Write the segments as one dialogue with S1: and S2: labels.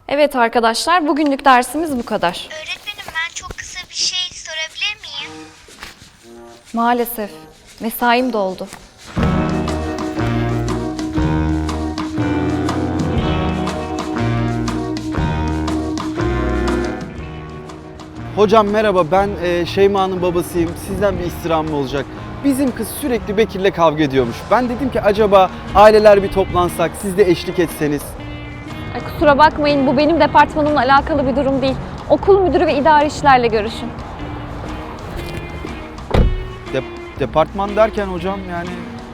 S1: Evet arkadaşlar, bugünlük dersimiz bu kadar.
S2: Öğretmenim ben çok kısa bir şey sorabilir miyim?
S1: Maalesef mesaim doldu.
S3: Hocam merhaba, ben Şeyma'nın babasıyım. Sizden bir istirhamım olacak. Bizim kız sürekli Bekir'le kavga ediyormuş. Ben dedim ki acaba aileler bir toplansak, siz de eşlik etseniz.
S1: Ay, kusura bakmayın, bu benim departmanımla alakalı bir durum değil. Okul müdürü ve idari işlerle görüşün.
S3: Departman derken hocam yani...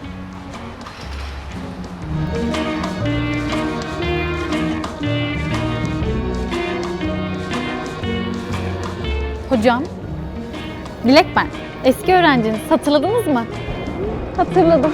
S4: Hocam, Dilek ben. Eski öğrenciniz. Hatırladınız mı?
S1: Hatırladım.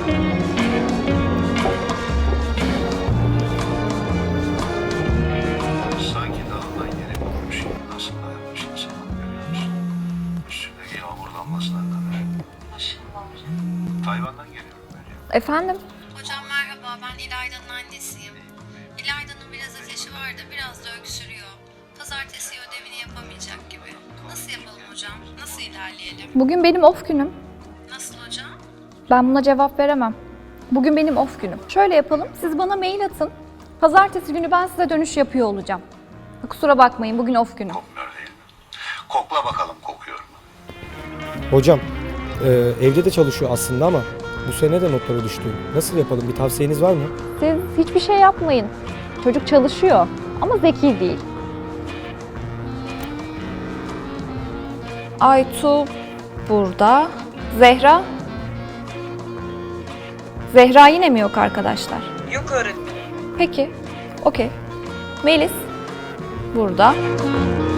S5: Sanki dağından yere vurmuş gibi nasıl dayanmış insan görüyor musun? Üstündeki yağmur damlasından kadar. Maşallah hocam. Tayvan'dan geliyorum ben ya.
S1: Efendim?
S6: Hocam merhaba, ben İlayda'nın annesiyim. İlayda'nın biraz ateşi var da biraz da öksürüyor. Pazartesi ödevini yapamayacak gibi. Nasıl yapalım hocam? Nasıl ilerleyelim?
S1: Bugün benim off günüm.
S6: Nasıl hocam?
S1: Ben buna cevap veremem. Bugün benim off günüm. Şöyle yapalım, siz bana mail atın. Pazartesi günü ben size dönüş yapıyor olacağım. Kusura bakmayın, bugün off günüm.
S5: Kokmuyor değil mi? Kokla bakalım kokuyor mu?
S7: Hocam, evde de çalışıyor aslında ama bu sene de notları düştü. Nasıl yapalım? Bir tavsiyeniz var mı?
S1: Siz hiçbir şey yapmayın. Çocuk çalışıyor ama zeki değil. Aytu burada. Zehra? Zehra yine mi yok arkadaşlar?
S8: Yok öğretmenim.
S1: Peki, okey. Melis burada.